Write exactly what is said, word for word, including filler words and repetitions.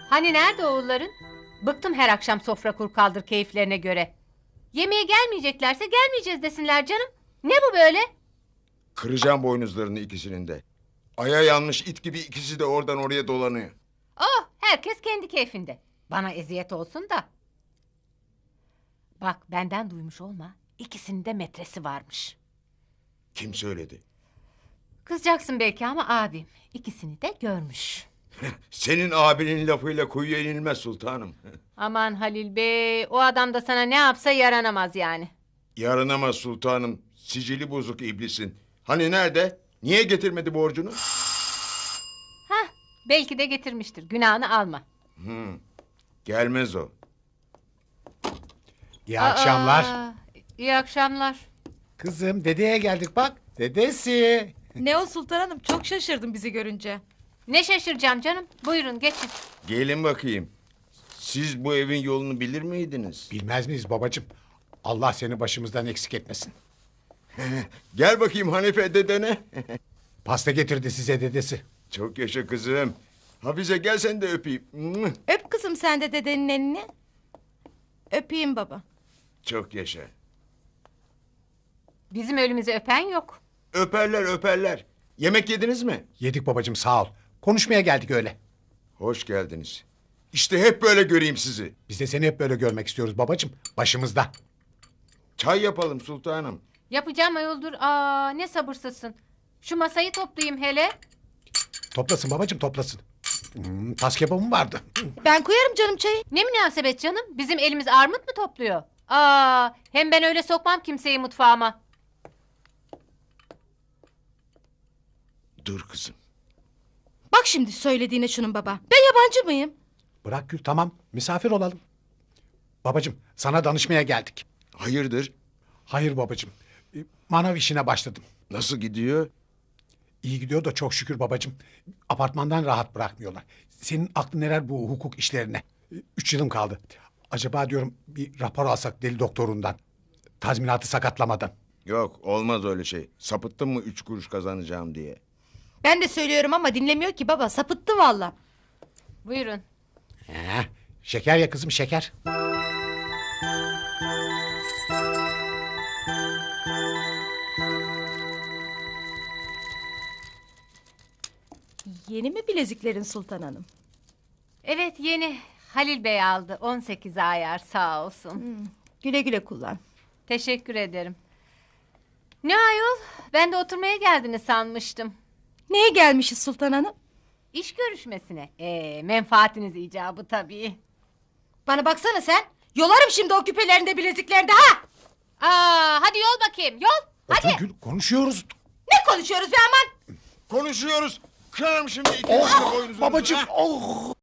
Hani nerede oğulların? Bıktım her akşam sofra kur kaldır keyiflerine göre. Yemeğe gelmeyeceklerse gelmeyeceğiz desinler canım. Ne bu böyle? Kıracağım boynuzlarını ikisinin de. Aya yanmış it gibi ikisi de oradan oraya dolanıyor. Oh, herkes kendi keyfinde. Bana eziyet olsun da. Bak benden duymuş olma. İkisinin de metresi varmış. Kim söyledi? Kızacaksın belki ama abim ikisini de görmüş. Senin abinin lafıyla kuyuya inilmez sultanım. Aman Halil Bey, o adam da sana ne yapsa yaranamaz yani. Yaranamaz sultanım. Sicili bozuk iblisin. Hani nerede? Niye getirmedi borcunu? Hah, belki de getirmiştir. Günahını alma. Hmm, gelmez o. İyi akşamlar. Aa, iyi akşamlar. Kızım dedeye geldik bak. Dedesi. Ne o Sultan Hanım, çok şaşırdım bizi görünce. Ne şaşıracağım canım. Buyurun geçin. Gelin bakayım. Siz bu evin yolunu bilir miydiniz? Bilmez miyiz babacığım? Allah seni başımızdan eksik etmesin. Gel bakayım Hanife dedene. Pasta getirdi size dedesi. Çok yaşa kızım. Hafize gel sen de öpeyim. Mwah! Öp kızım sen de dedenin elini. Öpeyim baba. Çok yaşa. Bizim ölümüzü öpen yok. Öperler öperler. Yemek yediniz mi? Yedik babacığım sağ ol. Konuşmaya geldik öyle. Hoş geldiniz. İşte hep böyle göreyim sizi. Biz de seni hep böyle görmek istiyoruz babacığım. Başımızda. Çay yapalım sultanım. Yapacağım ayoldur. Aa, ne sabırsızsın. Şu masayı toplayayım hele. Toplasın babacığım toplasın. Hmm, tas kebabım vardı. Ben koyarım canım çayı. Ne münasebet canım. Bizim elimiz armut mu topluyor? Aa, hem ben öyle sokmam kimseyi mutfağıma. Dur kızım. Bak şimdi söylediğine şunun baba. Ben yabancı mıyım? Bırak Gül tamam misafir olalım. Babacığım sana danışmaya geldik. Hayırdır? Hayır babacığım. e, Manav işine başladım. Nasıl gidiyor? İyi gidiyor da çok şükür babacığım. Apartmandan rahat bırakmıyorlar. Senin aklın neler bu hukuk işlerine? E, Üç yılım kaldı. Acaba diyorum bir rapor alsak deli doktorundan. Tazminatı sakatlamadan. Yok olmaz öyle şey. Sapıttın mı üç kuruş kazanacağım diye. Ben de söylüyorum ama dinlemiyor ki baba. Sapıttı valla. Buyurun. He, şeker ya kızım şeker. Yeni mi bileziklerin Sultan Hanım? Evet yeni. Halil Bey aldı. on sekiz ayar sağ olsun. Güle güle kullan. Teşekkür ederim. Ne ayol? Ben de oturmaya geldiniz sanmıştım. Neye gelmişiz Sultan Hanım? İş görüşmesine. Ee, menfaatiniz icabı tabii. Bana baksana sen. Yolarım şimdi o küpelerinde bileziklerinde ha! Aa, hadi yol bakayım yol. Otur Hadi. Gül konuşuyoruz. Ne konuşuyoruz be aman? Konuşuyoruz. Kırarım şimdi ikinizin Oh, boynuzunuzu. babacığım ha? oh.